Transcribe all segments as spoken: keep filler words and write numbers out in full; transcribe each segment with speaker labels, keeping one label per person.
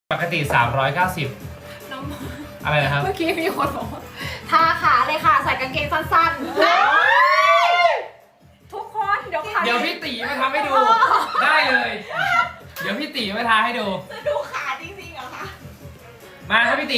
Speaker 1: ปกติสามร้อยเก้าสิบ
Speaker 2: น้อง
Speaker 1: อะไรนะครับ
Speaker 2: เมื่อกี้มีคนบอกว่าทาขาเลยค่ะใส่กางเกงสั้นๆทุกคนเดี๋ยวขา
Speaker 1: เดี๋ยวพี่ตีมาทำให้ดูได้เลย เดี๋ยวพี่ตีมาทาให้ดู
Speaker 2: จะดูขาจริงๆเหรอคะ
Speaker 1: มาครับพี่ตี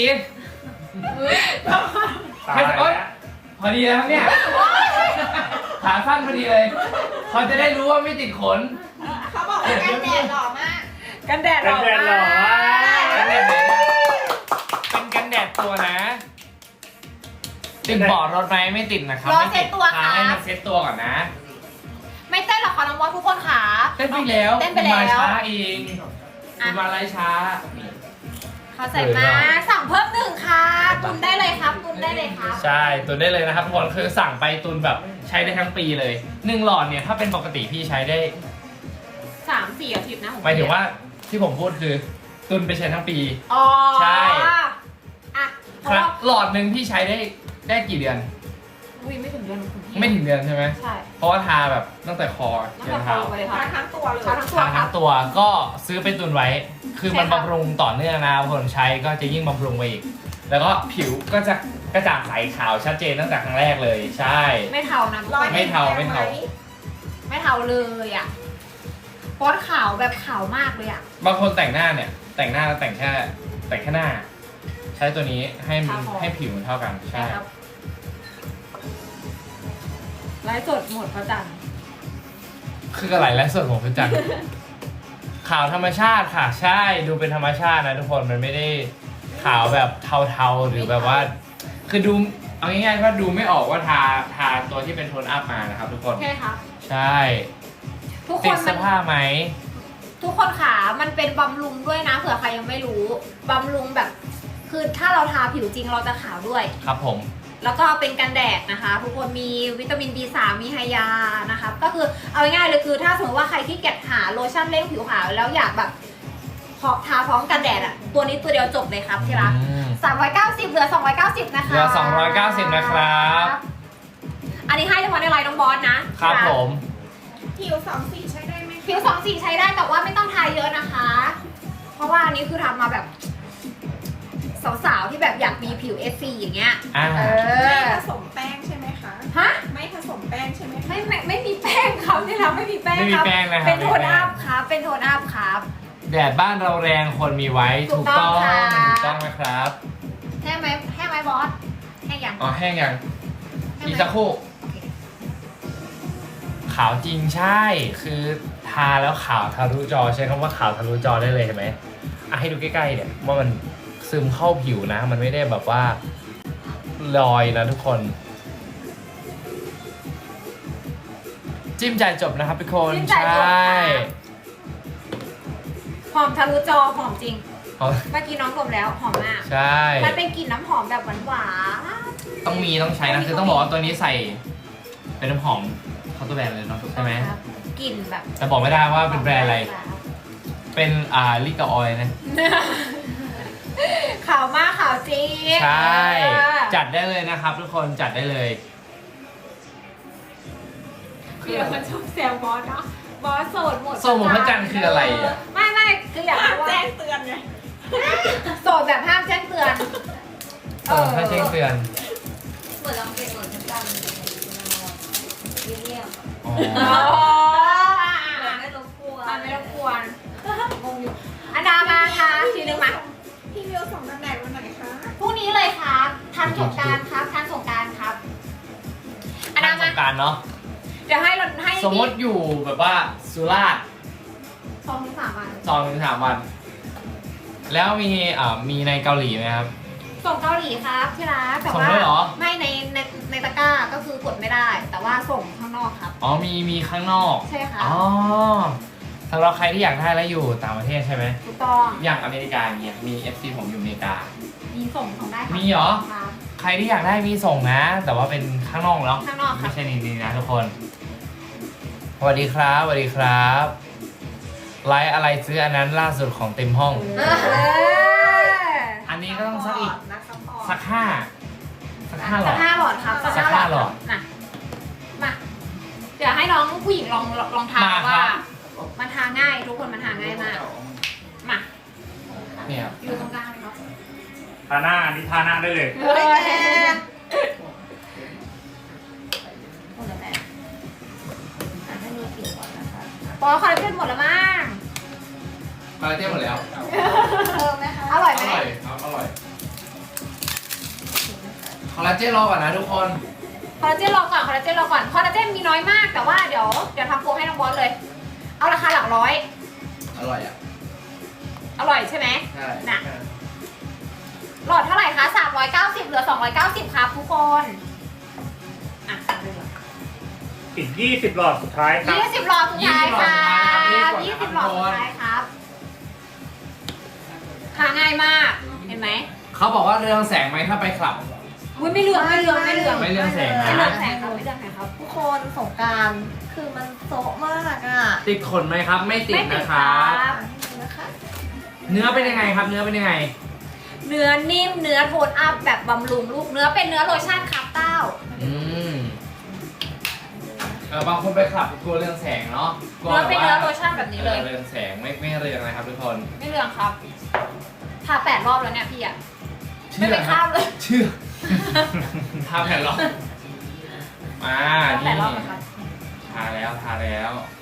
Speaker 3: ตาย
Speaker 1: ให้
Speaker 3: แล้ว
Speaker 1: โอ๊ยพอดีแล้วครับเนี่ยขาสั้นพอดีเลยเขาจะได้รู้ว่าไม่ติดขน
Speaker 2: เขาบอกว่ากันแดดหล่อมากกันแดดห
Speaker 3: กั
Speaker 2: ล่
Speaker 3: น
Speaker 2: อ
Speaker 3: แดดหล่อ
Speaker 2: มาม
Speaker 3: าก
Speaker 1: กันแดดไหนเป็นกันแดดตัวนะ ติดเบาะรถไหมไม่ติดนะครับ
Speaker 2: รอ
Speaker 1: ไม่
Speaker 2: เซ็
Speaker 1: ติ
Speaker 2: ต
Speaker 1: ด
Speaker 2: ตัว
Speaker 1: พา
Speaker 2: ค่ะ
Speaker 1: ให้มันเซ็ตตัวก่อนนะ
Speaker 2: ไม่เต้นหรอกค่ะน้องบอสทุกคนขา
Speaker 1: เต้นไปแล้ว
Speaker 2: เต้นไปแล้ว
Speaker 1: คุณมาช้าเองคุณมาไล่ช้า
Speaker 2: เขาใส่มาสั่งเพิ่มหนึ่งค่ะตุนได้เลยครับตุนได้เลยครับ
Speaker 1: ใช่ตุนได้เลยนะครับทุกคนคือสั่งไปตุนแบบใช้ได้ทั้งปีเลยหนึ่งหลอดเนี่ยถ้าเป็นปกติพี่ใช้ได้
Speaker 2: สามสี่อาทิตย์นะ
Speaker 1: หมายถึงว่าที่ผมพูดคือตุนไปใช้ทั้งปี
Speaker 2: อ๋อ
Speaker 1: ใช่
Speaker 2: อ่ะเพ
Speaker 1: ค
Speaker 2: ราะ
Speaker 1: รับ
Speaker 2: ว่า
Speaker 1: หลอดหนึ่งพี่ใช้ได้ได้กี่เดือน
Speaker 2: อุ้ยไม่ถึงเดือนคุณพี่
Speaker 1: ไม่ถึงเดือนใช่ไหม
Speaker 2: ใช่
Speaker 1: เพราะว่าทาแบบตั้งแต่คอ
Speaker 2: ตั้ง
Speaker 1: ยั
Speaker 2: แต่
Speaker 1: น
Speaker 2: คอ
Speaker 1: เท้า
Speaker 2: ไปเลยค่ะทั้งตัวเลยทั้งตัว
Speaker 1: ทา
Speaker 2: ครั
Speaker 1: ทั้
Speaker 2: บ
Speaker 1: งตัวก็ซื้อไปตุนไว้ คือมัน
Speaker 2: ใช่ค่ะ
Speaker 1: บำรุงต่อเนื่องนะคนใช้ก็จะยิ่งบำรุงไปอีก แล้วก็ผิวก็จะกระจ่างใสขาวชัดเจนตั้งแต่ครั้งแรกเลย ใช่
Speaker 2: ไม่เทานะทุกคน
Speaker 1: ไม่เทาไม่เทา
Speaker 2: ไม่เทาเลยอ่ะป๊อตขาวแบบขาวมากเลยอ่ะ
Speaker 1: บางคนแต่งหน้าเนี่ย แต่งหน้าแล้วแต่งแค่แต่งแค่หน้า ใช้ตัวนี้ให้มัน
Speaker 2: ทาคอ
Speaker 1: ให้ผิวมันเท่ากันใช่
Speaker 2: ครับไลฟ์สดหมดพระจันทร์
Speaker 1: คืออะไรและส่วนของคุณจันทร์ ขาวธรรมชาติค่ะใช่ดูเป็นธรรมชาตินะทุกคนมันไม่ได้ขาวแบบเทาๆหรือแบบว่า คือดูเอาง่ายๆว่าดูไม่ออกว่าทาทาตัวที่เป็นโทนอัพมานะครับทุกคน
Speaker 2: ใช่ครับ
Speaker 1: ใช่
Speaker 2: ทุกค
Speaker 1: ติด
Speaker 2: น
Speaker 1: เสื้
Speaker 2: มั
Speaker 1: อน ผ้าไหม
Speaker 2: ทุกคนขามันเป็นบำรุงด้วยนะเผื่อใครยังไม่รู้บำรุงแบบ คือถ้าเราทาผิวจริงเราจะขาวด้วย
Speaker 1: ครับผม
Speaker 2: แล้วก็เป็นกันแดดนะคะ ทุกคนมีวิตามิน บี สาม มีไฮยานะคะก็คือเอาง่ายๆเลยคือถ้าสมมติว่าใครที่เก็บหาโลชั่นเร่งผิวขาวแล้วอยากแบบพอทาพร้อมกันแดดอะตัวนี้ตัวเดียวจบเลยครับที่รัก
Speaker 1: อืม
Speaker 2: สามร้อยเก้าสิบเหลือสองร้อยเก้าสิบนะคะ
Speaker 1: เหลือสองร้อยเก้าสิบนะครับ
Speaker 2: อันนี้ให้เฉพาะในไลน์น้องบอสนะครับ
Speaker 1: ผม
Speaker 4: ผิวสองสีใช้ได้ไหม
Speaker 2: ผิวสองสีใช้ได้แต่ว่าไม่ต้องทาเยอะนะคะ เพราะว่าอันนี้คือทำมาแบบสาวๆที่แบบอยากมีผิว เอฟ ซี อย่างเงี้ย
Speaker 1: อ่า
Speaker 2: เอ
Speaker 4: ไม่
Speaker 2: อ
Speaker 4: ผสมแป้งใช่ไหมคะ
Speaker 2: ฮะ
Speaker 4: ไม่ผสมแป้งใช่ไหมคะ
Speaker 2: ไม่ไม่ไม่มีแป้งครับที่เราไม่มีแป้ง
Speaker 1: ไม่มี
Speaker 2: ครับ
Speaker 1: แป้งนะครับ
Speaker 2: เป็นโทน
Speaker 1: ไม่มีแป้
Speaker 2: อั
Speaker 1: ง
Speaker 2: พครับเป็นโทนอัพครับ
Speaker 1: แดดบ้านเราแรงคนมีไว้
Speaker 2: ถู
Speaker 1: ถู
Speaker 2: ก
Speaker 1: ก
Speaker 2: ต้
Speaker 1: ต้
Speaker 2: อ
Speaker 1: อง ง
Speaker 2: ค่ะ
Speaker 1: ถูกต้องนะครับ
Speaker 2: แห้งไหมแห้งไหมบอสแห้งยัง
Speaker 1: อ๋อแห้งยัง
Speaker 2: แห้ง
Speaker 1: อีก
Speaker 2: ไหม
Speaker 1: สักครู่
Speaker 2: โอเค
Speaker 1: ขาวจริงใช่ คือทาแล้วขาวทะลุจอใช้คำว่าขาวทะลุจอได้เลยเห็นไหมอ่ะให้ดูใกล้ๆเนี่ยว่ามันซึมเข้าผิวนะ มันไม่ได้แบบว่าลอยนะทุกคน จิ้มจ่ายจบนะครับทุกคน
Speaker 2: จิ้มจ่ายจบ
Speaker 1: ใช่
Speaker 2: หอมทะลุจอหอมจริง
Speaker 1: เอา
Speaker 2: เมื่อกี้น้องดมแล้วหอมมาก
Speaker 1: ใช่
Speaker 2: มันเป็นกลิ่นน้ำหอมแบบหวาน
Speaker 1: ต้องมีต้องใช้นะ คือต้องบอกว่าตัวนี้ใส่เป็นน้ำหอมเขาตัวแบรนด์เลยเนาะ
Speaker 2: ๆ
Speaker 1: ใช่ไหม
Speaker 2: ครับกลิ่นแบบ
Speaker 1: แต่บอกไม่ได้ว่าเป็นแบรนด์อะไร เป็นอ่าลิกาออยนะ
Speaker 2: ขาวมากขาวจริง
Speaker 1: ใช่
Speaker 2: เออ
Speaker 1: จัดได้เลยนะครับทุกคนจัดได้เลย
Speaker 2: เดี๋ยวมันชอบแซวบอสเนาะบอสโสดหมด
Speaker 1: โสดหมดพระจันทร์คืออะไรอะ
Speaker 2: ไม่ไม่คืออยากรู้ว่า
Speaker 4: แจ้งเตือนไง
Speaker 2: โสดแบบห้ามแจ้งเตือน
Speaker 1: โสดถ้าแจ้งเตือน
Speaker 5: เหมือนเราเปลี่ยนเหมือนกันกันเรียบ
Speaker 1: อ๋อ
Speaker 2: อ๋อ
Speaker 5: ๆไม่รบกวน
Speaker 2: มันไม่รบกวนงงอยู่อันดามาค่ะทีนึงมา
Speaker 4: พี่วิวส่งกันแดดวันไหนคะ
Speaker 2: พรุ่งนี้เลยครับทันสงกรารครับทันสงกรารครับอันดา
Speaker 1: ส
Speaker 2: มาง
Speaker 1: กรารเนาะ
Speaker 2: เดี๋ยวให้เราให้
Speaker 1: สมมติอยู่แบบว่าสุราษฎร์
Speaker 2: สองถึงสามวัน
Speaker 1: สองถึงสามวัน แล้วมีอ่ามีในเกาหลีไหมครับ
Speaker 2: ส่งเกาหลีครับที่ร้านแต่
Speaker 1: ส่ง
Speaker 2: ว่า
Speaker 1: ด้วยเหรอ
Speaker 2: ไม่ในในในตะกร้าก็คือกดไม่ได้ แต่ว่าส่งข้างนอกครับ
Speaker 1: อ๋อมีมีข้างนอก
Speaker 2: ใช่ค่ะ
Speaker 1: อ๋อสำหรับใครที่อยากได้แล้วอยู่ต่างประเทศใช่ไหม
Speaker 2: ถูกต้อง
Speaker 1: อย่างอเมริกาเนี่ยมี เอฟ ซี ผมอยู่อเมริกา
Speaker 2: มีส่งส่งได้ครับ
Speaker 1: มีเหรอ
Speaker 2: ครับ
Speaker 1: ใครที่อยากได้มีส่งนะ แต่ว่าเป็นข้างนอกเนาะ
Speaker 2: ข้างนอกครับ
Speaker 1: ไม่ใช่ในนี้นะทุกคนสวัสดีครับสวัสดีครับไลฟ์อะไรซื้ออันนั้นล่าสุดของเต็มห้อง
Speaker 2: เออ
Speaker 1: อันนี้ก็ต้องสักอีก
Speaker 4: นักซัพพอร์ต
Speaker 1: สักห้าสักห้าหล
Speaker 2: สั
Speaker 1: อก ด
Speaker 2: ห้าหลอดครับ
Speaker 1: สักห้าหลอด
Speaker 2: มามาเดี๋ยวให้น้องผู้หญิงลองลองทา
Speaker 1: มาครับ
Speaker 2: ว่า มันทาง่ายทุกคนมันทาง่ายมากมา
Speaker 1: เนี่ยครับ
Speaker 2: อยู่ตรงกลางเลยครับ
Speaker 3: ทาหน้าอันนี้ทาหน้าได้เลย
Speaker 2: เฮ้ยแม่หมดแล้วแม่
Speaker 5: อ่ะให้ดูผิวก่อนนะคะ
Speaker 2: ปอคอลลาเจนหมดแล้วมั้ง
Speaker 1: คอลลาเจนหมดแล้ว
Speaker 5: เพิ่มไหมคะ
Speaker 2: อร่อย
Speaker 1: อ
Speaker 2: ไหม
Speaker 1: ร่อยครับอร่อยคอลลาเจนรอก่อนนะทุกคน
Speaker 2: คอลลาเจนรอก่อนคอลลาเจนรอก่อนคอลลาเจนมีน้อยมากแต่ว่าเดี๋ยวเดี๋ยวทำโปรให้น้องบอสเลย เอาราคาหลักร้อย
Speaker 1: อร่อยอ่ะ
Speaker 2: อร่อยใช่ไหม
Speaker 1: ใช่
Speaker 2: น่ะ หลอดเท่าไหร่คะสามร้อยเก้าสิบเหลือสองร้อยเก้าสิบครับทุกคนอ่ะ
Speaker 3: อีกยี่สิบหลอดสุดท้ายครับ
Speaker 2: ยี่สิบหลอดสุดท้ายครับยี่สิบหลอดสุดท้ายครับหาง่ายมากเห็นไหม
Speaker 1: เขาบอกว่าเรืองแสงไหมถ้าไปคลับ
Speaker 2: อุ้ยไม่เหลืองไม่เหลืองไม่เหลือง
Speaker 1: ไม่เรืองแสงนะ
Speaker 2: ไม่เหลืองแสงครับไม่เหลืองแสงครับ
Speaker 5: ทุกคนสงกรารคือมันโซะมากอ่ะ
Speaker 1: ติดขนไหมครับ ไม่ติด
Speaker 2: ไม่ติด
Speaker 1: นะค
Speaker 2: ค
Speaker 1: รั
Speaker 2: รับ บ
Speaker 5: นี่นะคะ
Speaker 1: เนื้อเป็นยังไงครับ เนื้อเป็นยังไง
Speaker 2: เนื้อนิ่มเนื้อโทนอัพแบบบำรุงลูกเนื้อเป็นเนื้อโลชั่นครับเต้า
Speaker 1: อืมเออบางคนไปคลับกลัวเรืองแสงเนาะกลัว
Speaker 2: เนื้อเป็นเนื้อ
Speaker 1: แบบ
Speaker 2: โล
Speaker 1: ว่า
Speaker 2: ชั่นแบบนี้เลย
Speaker 1: เรืองแสงไม่ไม่เรืองนะครับทุกคน
Speaker 2: ไม่เหลืองครับทาแปดรอบแล้วเนี่ยพี่อะไม่
Speaker 1: เชื่
Speaker 2: ไป
Speaker 1: อค
Speaker 2: ข้า
Speaker 1: รั
Speaker 2: ม
Speaker 1: บ
Speaker 2: เลย
Speaker 1: เชื่อทาแผ่นหรอมา
Speaker 2: แป
Speaker 1: นี่
Speaker 2: ดรอบแล้วครับ
Speaker 1: ทาแล้วทาแล้ว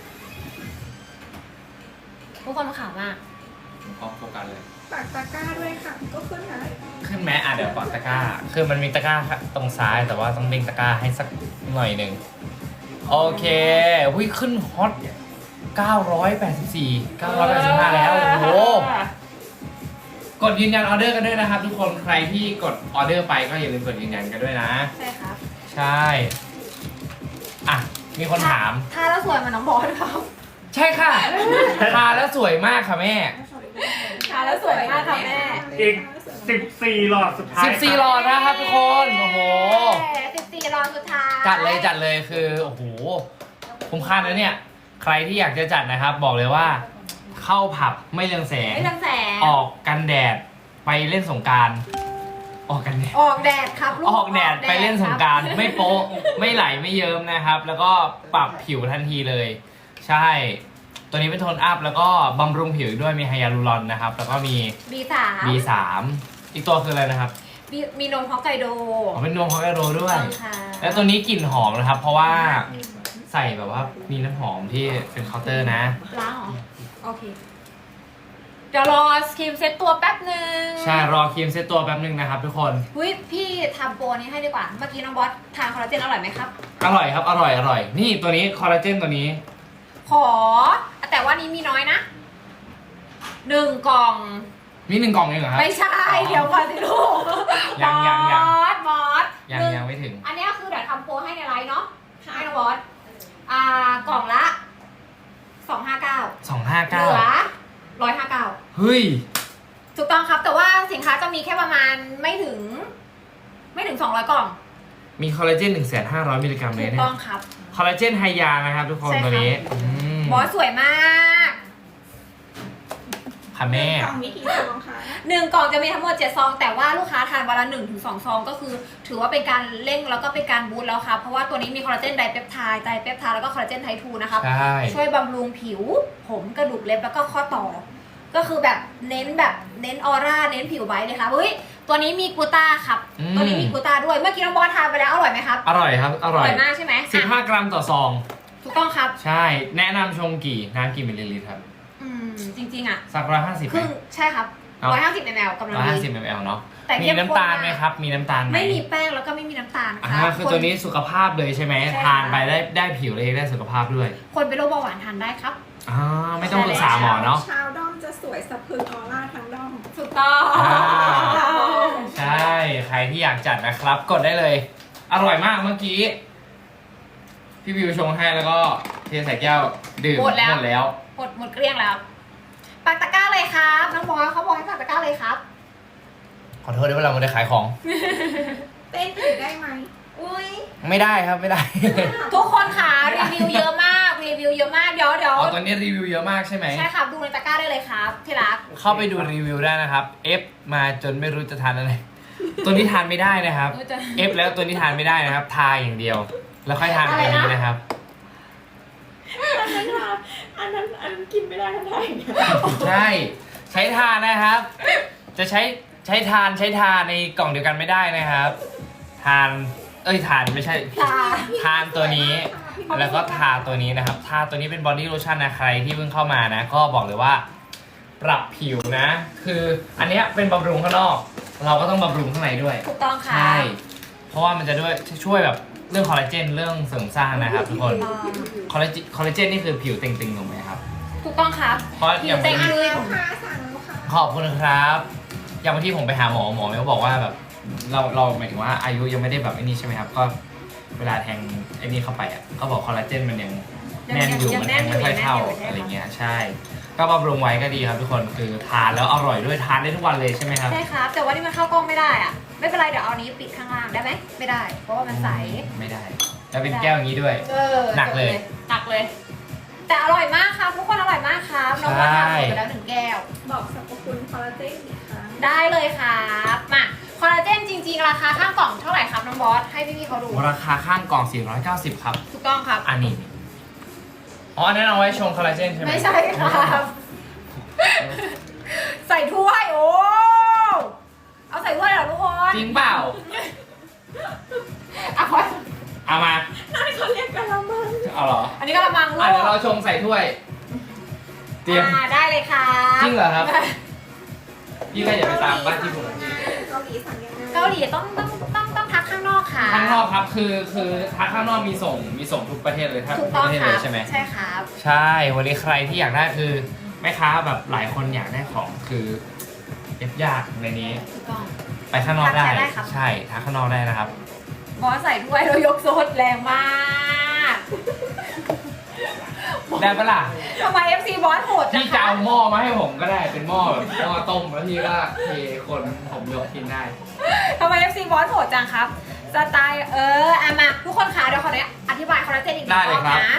Speaker 2: ทุกคนมาข่าวมาก
Speaker 1: พร้อมโฟกัสเลย
Speaker 4: ปากตะกร้าด้วยค่ะ ก็ขึ้นนะ
Speaker 1: ขึ้นไหมอ่ะเดี๋ยวปักตะกร้า คือมันมีตะกร้าตรงซ้ายแต่ว่าต้องเด้งตะกร้าให้สักหน่อยหนึ่งโอเควิขึ้นฮอตเก้าร้อยแปดสิบสี่ เก้าร้อยแปดสิบห้าแล้วโอ้โหกดยืนยันออเดอร์กันด้วยนะครับ ทุกคนใครที่กดออเดอร์ไปก็อย่าลืมกดยืนยันกันด้วยนะ
Speaker 2: ใช่ครับ
Speaker 1: ใช่อ่ะมีคนถาม
Speaker 2: ทาแล้วสวยเหมันน้องบอสครับ
Speaker 1: ใช่ค่ะทาแล้วสวยมากค่ะแม่
Speaker 2: ทาแล้วสวยมากค่ะแม่
Speaker 3: อีกสิบสี่หลอดสุดท้าย
Speaker 1: สิบสี่หลอดนะครับทุกคนโอ้โห
Speaker 2: สิบสี่รอบสุดท้าย
Speaker 1: จัดเลยจัดเลยคือโอ้โหคุ้มค่านะเนี่ย ใครที่อยากจะจัดนะครับ บอกเลยว่า เข้าผับไม่เรืองแสง
Speaker 2: ไม่เรืองแสง
Speaker 1: ออกกันแดดไปเล่นสงกรารออกกันแดด
Speaker 2: ออกแดดครับลูก
Speaker 1: ออกแดดไปเล่นสงกราร
Speaker 2: คบ
Speaker 1: ไม่โป๊ะไม่ไหลไม่เยิ้มนะครับ แล้วก็ปรับผิวทันทีเลย ใช่ ตัวนี้เป็นโทนอัพแล้วก็บำรุงผิวด้วยมีไฮยาลูรอนนะครับ แล้วก็มี
Speaker 2: บีสาม
Speaker 1: บี สาม อีกตัวคืออะไรนะครับ
Speaker 2: มีมีนมฮอกไกโด
Speaker 1: อ๋อเป็นนมฮอกไกโดด้วย
Speaker 2: ต้องค่ะ
Speaker 1: แล้วตัวนี้กลิ่นหอมนะครับ เพราะว่าใส่แบบว่ามีน้ำหอมที่เป็นเคาน์เตอร์นะ
Speaker 2: ล้างเหรอโอเคเดี๋ยวรอสครีมเซ็ตตัวแป๊บหนึ่ง
Speaker 1: ใช่รอครีมเซตตัวแป๊บนึงนะครับทุกคน
Speaker 2: หุ้ยพี่ทำโปรนี้ให้ดีกว่า เมื่อกี้น้องบอสทานคอลลาเจนอร่อยไหมครับ
Speaker 1: อร่อยครับอร่อยอร่อยนี่ตัวนี้คอลลาเจนตัวนี้
Speaker 2: ขอ แต่ว่านี้มีน้อยนะหนึ่งกล่อง
Speaker 1: มีหนึ่งกล่องเองเหรอครับ
Speaker 2: ไม่ใช่ เดี๋ยวก่อนสิลูก
Speaker 1: ยังยังยัง
Speaker 2: บอสบอส
Speaker 1: ยัง
Speaker 2: หนึ่
Speaker 1: ยังไม่ถึง
Speaker 2: อันนี้คือเดี๋ยวทำโปรให้ในไลน์เนาะให้น้องบอสอ่ากล่องละสองห้าเก้า
Speaker 1: สองห้า
Speaker 2: เห
Speaker 1: เก้า
Speaker 2: ลือร้อยห้าเก้า
Speaker 1: เฮ้ย
Speaker 2: ถูกต้องครับ แต่ว่าสินค้าจะมีแค่ประมาณไม่ถึง ไม่ถึงสองร้อยกล่อง
Speaker 1: มีคอลลาเจนหนึ่งแสนห้าร้อยมิลลิกรัมเล
Speaker 2: ถู
Speaker 1: ย
Speaker 2: ก
Speaker 1: เนี่ย
Speaker 2: ต้องครับ
Speaker 1: คอลลาเจนไฮยานะครับทุกคน
Speaker 2: ใช่ครับ
Speaker 1: ตัวนี้อืม
Speaker 2: บอสสวยมาก
Speaker 1: ค่ะแม่
Speaker 4: กล่องนี้กี่ซองคะ
Speaker 2: หนึ่งกล่องจะมีทั้งหมดเจ็ดซอง แต่ว่าลูกค้าทานวันละหนึ่งถึงสองซองก็คือ ถือว่าเป็นการเร่งแล้วก็เป็นการบูสต์แล้วครับเพราะว่าตัวนี้มีคอลลาเจนไดเปปไทด์ไดเปปไทด์แล้วก็คอลลาเจนไทป์ทูนะครับ
Speaker 1: ใช่
Speaker 2: ช่วยบำรุงผิว ผมกระดูกเล็บแล้วก็ข้อต่อ ก็คือแบบเน้นแบบเน้นออร่าเน้นผิวไบรท์เลยครับเฮ้ยตัวนี้มีกลูต้าครับ
Speaker 1: อืม
Speaker 2: ตัวนี้มีกลูต้าด้วยเมื่อกี้น้องบอสทานไปแล้วอร่อยไหมครับ
Speaker 1: อร่อยครับ อร่อย
Speaker 2: มากใช่ไหม
Speaker 1: สิบห้า
Speaker 2: อ่ะ
Speaker 1: กรัมต่อซอง
Speaker 2: ถูกต้องครับ
Speaker 1: ใช่ แนะนำชงกี่น้ำกี่มิลลิลิตรครับ
Speaker 2: อืมจริงๆอ่ะ
Speaker 1: สักร้อยห้าสิบ
Speaker 2: ครึ่งใช่ครับ
Speaker 1: เนาะ
Speaker 2: ร้อยห้าสิบมลกำลัง
Speaker 1: ร้อยห้าสิบ
Speaker 2: ดี
Speaker 1: มลเนาะ
Speaker 2: แต่
Speaker 1: มี
Speaker 2: เข้มข้น
Speaker 1: น้ำตาล
Speaker 2: มาก
Speaker 1: ไหมครับ มีน้ำตาลไหม
Speaker 2: ไม่มีแป้งแล้วก็ไม่มีน้ำตาลนะ
Speaker 1: อ่า
Speaker 2: คะ
Speaker 1: คือตัวนี้สุขภาพเลยใช่ไหม
Speaker 2: ใช่ค่ะ
Speaker 1: ทานไปได้ได้ผิวเลยได้สุขภาพด้วย
Speaker 2: คนเป็นโรคเบาหวานทานได้ครับ
Speaker 1: อ่าไม่ต้องปรึกษาหมอเนาะ
Speaker 4: ชาวด้อมจะสวยสะพรึงออร่าทั้งด้อม
Speaker 2: ถูกต้อง
Speaker 1: อ่า ใช่ ใครที่อยากจัดนะครับ กดได้เลย อร่อยมากเมื่อกี้ พี่วิวชงให้แล้วก็เทใส่แก้วดื่ม
Speaker 2: หมดแล้ว
Speaker 1: หมดแล้ว
Speaker 2: หมดหมดเกลี้ยงแล้วปักตะกร้าเลยครับน้องบอยเขาบอกให้ปักตะกร้าเลยครับ
Speaker 1: ขอโทษด้วยว่าเราไม่ได้ขายของ
Speaker 4: เต้นอีกได้ไหม
Speaker 2: อุ้ย
Speaker 1: ไม่ได้ครับไม่ได้
Speaker 2: ทุกคนค่ะรีวิวเยอะมากรีวิวเยอะมากเดี๋ยวเดี๋ยว
Speaker 1: อ๋อตอนนี้รีวิวเยอะมากใช่ไหม
Speaker 2: ใช่ครับดูในตะกร้าได้เลยครับที่รัก
Speaker 1: เข้าไปดูรีวิวได้นะครับ F มาจนไม่รู้จะทานอะไร ตัวนี้ทานไม่ได้นะครับ
Speaker 2: เออจะ
Speaker 1: F แล้วตัวนี้ทานไม่ได้นะครับ ทาอย่างเดียว แล้วค่อยทานตัวนี้นะครับ
Speaker 4: อันนั้นค่ะอันนั้นอันนั้นกินไม่ได้ทั้งไทย
Speaker 1: ใช่ใช้ทานนะครับ จะใช้ใช้ทานใช้ทานในกล่องเดียวกันไม่ได้นะครับ ทาน เอ้ยทานไม่ใช่
Speaker 2: ค่ะ
Speaker 1: ทานตัวนี้แล้วก็ทาตัวนี้นะครับ ทาตัวนี้เป็นบอดี้โลชั่นนะใครที่เพิ่งเข้ามานะ ก็บอกเลยว่า ปรับผิวนะ คืออันเนี้ยเป็นบำรุงข้างนอก เราก็ต้องบำรุงข้างในด้วย
Speaker 2: ถูกต้องค่ะ
Speaker 1: ใช่ เพราะว่ามันจะด้วยช่วยแบบเรื่องคอลลาเจนเรื่องเสริมสร้างนะครับทุกคน คอลลาเจนคอลลาเจนนี่คือผิวเต่งๆถูกไหมครับ
Speaker 2: ถูกต้องครับ
Speaker 1: เพราะอย่าง
Speaker 2: เต็ง
Speaker 1: บางที
Speaker 2: คือ
Speaker 4: แล้วค่ะสั่งแล้วค่ะ
Speaker 1: ขอบคุณครับ อย่างบางที่ผมไปหาหมอหมอเขาบอกว่าแบบเราเราหมายถึงว่าอายุยังไม่ได้แบบไอ้นี่ใช่ไหมครับ ก็เวลาแทงไอ้นี่เข้าไปอ่ะก็บอกคอลลาเจนมันยังแน่นอยู่มันแทงไม่ค่อยเท่าอะไรเงี้ยใช่ ก็บำรุงไว้ก็ดีครับทุกคนคือทานแล้วอร่อยด้วยทานได้ทุกวันเลยใช่ไหมครับ
Speaker 2: ใช่ครับ แต่ว่านี่มันเข้ากล้องไม่ได้อะไม่เป็นไรเดี๋ยวเอานี้ปิดข้างล่างได้ไหมไม่ได้ เพราะว่ามันใส
Speaker 1: ไม่ได้ แล้วเป็นแก้วอย่างนี้ด้วย
Speaker 2: เออ
Speaker 1: หนักเลย
Speaker 2: หนักเลย แต่อร่อยมากครับทุกคนอร่อยมากครับน้องว่าทานหมดไปแล้วหนึ่งแก้ว
Speaker 4: บอกสรรพคุณคอลลาเจนอีกครั้ง
Speaker 2: ได้เลยครับมาคอลลาเจนจริงๆ ราคาข้างกล่องเท่าไหร่ครับน้องบอสให้พี่ๆเขาดู
Speaker 1: ราคาข้างกล่องสี่ร้อยเก้าสิบครับ
Speaker 2: ถูกต้องครับ
Speaker 1: อันนี้อ๋ออันนั้นเอาไว้ชงคอลลาเจนใช่ไหม
Speaker 2: ไม่ใช่ครับ ใส่ถ้วยโอ้เอาใส่ถ้วยเหรอทุกคน
Speaker 1: จริงเปล่า
Speaker 2: เอาไว้
Speaker 1: เอามา
Speaker 4: นั่นเขาเรียกกะละมัง
Speaker 1: เอาเหรอ
Speaker 2: อันนี้ก็ระมังลู
Speaker 1: อ่ะ
Speaker 2: ก
Speaker 1: เดี๋ยวเราชงใส่ถ้วย เตรียม
Speaker 2: อ่าได้เลยครับ
Speaker 1: จริงเหรอครับ พี่ก็อย่าไปตามบ้านที่ผม
Speaker 4: เกาหลีสั่งยังไง
Speaker 2: เกาหลีต้องต้องต้องต้องทักข้างนอกค่ะ
Speaker 1: ข้างนอกครับคือคือทางข้างนอกมีส่งมีส่งทุกประเทศเลยครับ
Speaker 2: ถู
Speaker 1: ทุ
Speaker 2: ก
Speaker 1: ก
Speaker 2: ต้
Speaker 1: ป
Speaker 2: อง
Speaker 1: ระเทศ
Speaker 2: ค
Speaker 1: เล
Speaker 2: รับ
Speaker 1: ยใช่ไหม
Speaker 2: ใช่ครับ
Speaker 1: ใช่วันนี้ใครที่อยากได้คือแม่ค้าแบบหลายคนอยากได้ของคือเอฟยากในนี้
Speaker 2: ถูกต้อง
Speaker 1: ไปข้างนอกได้
Speaker 2: ทักได้ครับ
Speaker 1: ใช่ทักข้างนอกได้นะครับ
Speaker 2: บอสใส่ถ้วยแล้วยกโซดแรงมาก
Speaker 1: ได้ปะล่ะ
Speaker 2: ทำไม เอฟ ซี บอสโหดจั
Speaker 1: พี่
Speaker 2: ง
Speaker 1: จะ
Speaker 2: คะ
Speaker 1: เอาหม้อมาให้ผมก็ได้เป็นหม้อแบบหม้อต้มแล้วพี่ก็เทคนผมยกกินได้
Speaker 2: ทำไม เอฟ ซี บอสโหดจังครับ สไตล์เอออ่ะมาทุกคนคะเดี๋ยวขอเนี่ยอธิบายคอลลาเจนอีกหนึ่
Speaker 1: ได้
Speaker 2: ง
Speaker 1: เล
Speaker 2: ร
Speaker 1: ย
Speaker 2: อบ
Speaker 1: ครับ
Speaker 2: นะ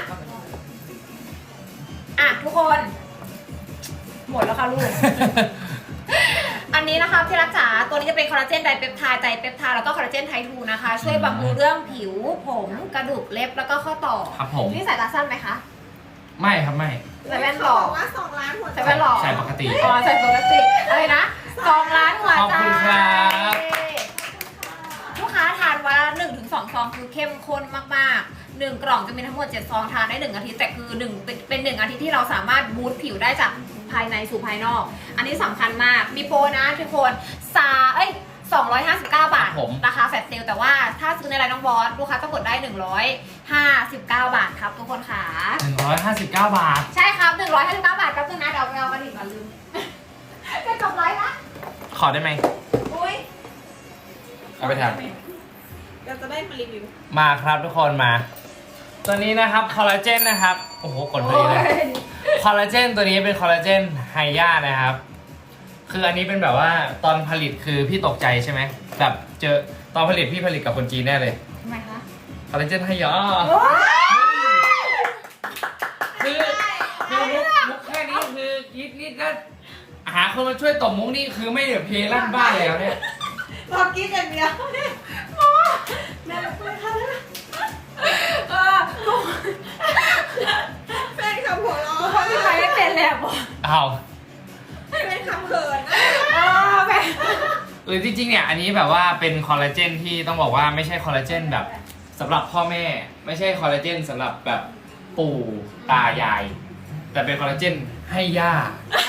Speaker 2: อ่ะทุกคน หมดแล้วค่ะลูก อันนี้นะคะที่รักษาตัวนี้จะเป็นคอลลาเจนไดเปปไทด์ไดเปปไทด์แล้วก็คอลลาเจนไทป์ทูนะคะ ช่วยบำรุงเรื่องผิวผมกระดูกเล็บแล้วก็ข้อต่อ
Speaker 1: ครับผม
Speaker 2: นี่สายตาสั้นไหมคะ
Speaker 1: ไม่ครับไม่
Speaker 2: ใส่แว่นหล่อ
Speaker 4: เขาบอกว่าสองล้านหัวใจ
Speaker 2: ใส่แว่นหล่อ
Speaker 1: ใส่ปกติ
Speaker 2: อ๋อใส่ปกติอะไรนะสองล้านหัวใจ
Speaker 1: ขอบคุณครับ
Speaker 2: ลูกค้าทานวันละหนึ่งถึงสองซองคือเข้มข้นมากๆหนึ่งกล่องจะมีทั้งหมดเจ็ดซองทานได้หนึ่งอาทิตย์แต่คือหนึ่งเป็นเป็นหนึ่งอาทิตย์ที่เราสามารถบูสต์ผิวได้จากภายในสู่ภายนอก อันนี้สำคัญมากมีโปรนะทุกคนซาเอ้ยสองร้อยห้าสิบเก้า บาท
Speaker 1: ผม
Speaker 2: ราคาแฟลชเซลแต่ว่าถ้าซื้อในไลน์น้องบอสลูกค้าต้องกดได้หนึ่งร้อยห้าสิบเก้า บาทครับทุกคนค่ะ
Speaker 1: หนึ่งร้อยห้าสิบเก้าบาท
Speaker 2: ใช่ครับหนึ่งร้อยห้าสิบเก้าบาทครับนึงนะเดี๋ยวเอากระดิ่งก่อนลืม จะจบไลฟ์ละ
Speaker 1: ขอได้ไหม
Speaker 2: อุ้ย
Speaker 1: เอาไปท
Speaker 4: เราจะได้มารีวิว
Speaker 1: ำมาครับทุกคนมา ตัวนี้นะครับคอลลาเจนนะครับ โอ้โหกดพอดีเลย คอลลาเจนตัวนี้เป็นคอลลาเจนไฮย่านะครับ คืออันนี้เป็นแบบว่าตอนผลิตคือพี่ตกใจใช่ไหมแบบเจอตอนผลิตพี่ผลิตกับคนจีนแน่เลย
Speaker 2: ทำไมคะ
Speaker 1: คอลลาเจนไฮย่า
Speaker 2: โอ้ย
Speaker 1: คือคือมุกมุกแค่นี้คือยิดนิดก็หาคนมาช่วยตบมุกนี่คือไม่เดือดเพลลั่นบ้านแล้วเนี่ย
Speaker 4: รอกินอย่างเดียวแม่ไม่ค่ะ
Speaker 2: เออทุก
Speaker 4: แฟนคำหัวเราะ
Speaker 2: คนที่ใครไม่เป็นเลยอะบอก
Speaker 1: เอา
Speaker 4: แฟนคำเขินนะ
Speaker 2: เออแม่
Speaker 1: หรือจริงๆเนี่ยอันนี้แบบว่าเป็นคอลลาเจนที่ต้องบอกว่าไม่ใช่คอลลาเจนแบบสำหรับพ่อแม่ ไม่ใช่คอลลาเจนสำหรับแบบปู่ตายาย แต่เป็นคอลลาเจนให้ย่า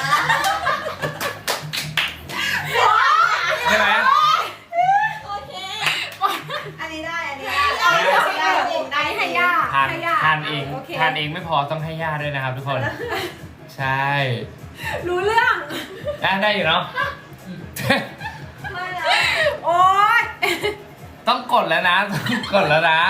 Speaker 1: ใช่ไหม
Speaker 4: โอเค
Speaker 5: อันนี้ได้ อันนี้ได้
Speaker 2: เอาเดี๋ยวเอาเดี๋ยวอันนี้ให้ย่า
Speaker 1: ทาน
Speaker 2: ให้ย่า
Speaker 1: ทานเอง
Speaker 2: โค
Speaker 1: ทานเองไม่พอต้องให้ย่าด้วยนะครับทุกคน ใช่
Speaker 2: รู้เรื่อง
Speaker 1: ได้ได้อยู่เนาะ
Speaker 5: ไม่แล้ว
Speaker 2: โอ๊ย
Speaker 1: ต้องกดแล้วนะต้องกดแล้วนะ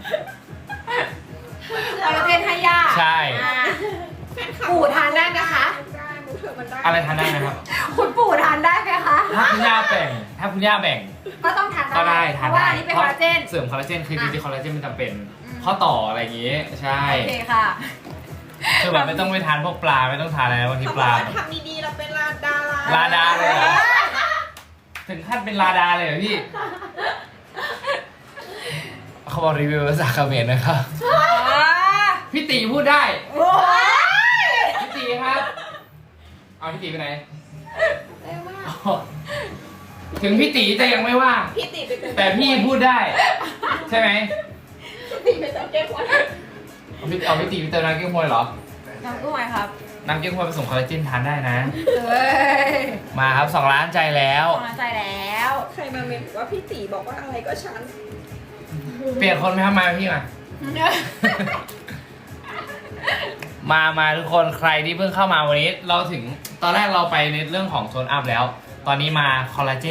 Speaker 2: คอลลาเจนให้ย่า
Speaker 1: ใช่
Speaker 2: อ่า
Speaker 4: แฟนคลับ
Speaker 2: ปู่ทานได้ไหมคะ
Speaker 4: ได้มุกเถอะมันได้
Speaker 1: อะไรทานได้นะครับ
Speaker 2: คุณปู่ทานได้ไหมคะ
Speaker 1: ถ้าคุณย่าแบ่ง ถ้าคุณย่าแบ่ง
Speaker 2: ก็ต้องทานได้
Speaker 1: ก็ได้ทาน
Speaker 2: เพราะว่า
Speaker 1: ได้
Speaker 2: อันนี้เป็นคอลลาเจน
Speaker 1: เสริมคอลลาเจนคือจริงๆคอลลาเจนมันจำเป็น
Speaker 2: อืม
Speaker 1: ข้อต่ออะไรอย่างงี้ ใช่
Speaker 2: โอเคค่ะ
Speaker 1: คือแบบไม่ต้องไปทานพวกปลาไม่ต้องทานอะไรบางที
Speaker 4: เขา
Speaker 1: ป
Speaker 4: บอก
Speaker 1: ลา
Speaker 4: ว่าทำดีๆเราเป็นลาดารา
Speaker 1: ลาดาเลยเหรอ ถึงขั้นเป็นลาดาเลยเหรอพี่ เขาบอกรีวิวภาษาเขมรนะครับ พี่ตีพูดได้
Speaker 2: โอ้ย
Speaker 1: พี่ตีครับ เอาพี่ตีไปไหนถึงพี่ตีจะยังไม่ว่าง
Speaker 4: พี่ติไปเป็น
Speaker 1: แต่พี่พูดได้ ใช่ไหม
Speaker 4: พี่ไปเป็นเก๊กฮวย
Speaker 1: เอาพี่เอาพี่ตีไปเติมน้ำเก๊กฮวยเหรอ
Speaker 2: น้ำกุ้งไหมครับ
Speaker 1: น้ำเก๊กฮวยผสมคอลลาเจนทานได้นะ
Speaker 2: เอ้ย
Speaker 1: มาครับสองล้านใจแล้ว
Speaker 2: กำลังใจแล้ว
Speaker 4: ใครมาเมนบอกว่าพี่ตีบอกว่าอะไรก็ฉัน
Speaker 1: เปลี่ยนคนไหมครับมาพี่มา มามาทุกคนใครที่เพิ่งเข้ามาวันนี้ เราถึงตอนแรกเราไปในเรื่องของโซนอัพแล้ว ตอนนี้มาคอลลาเจน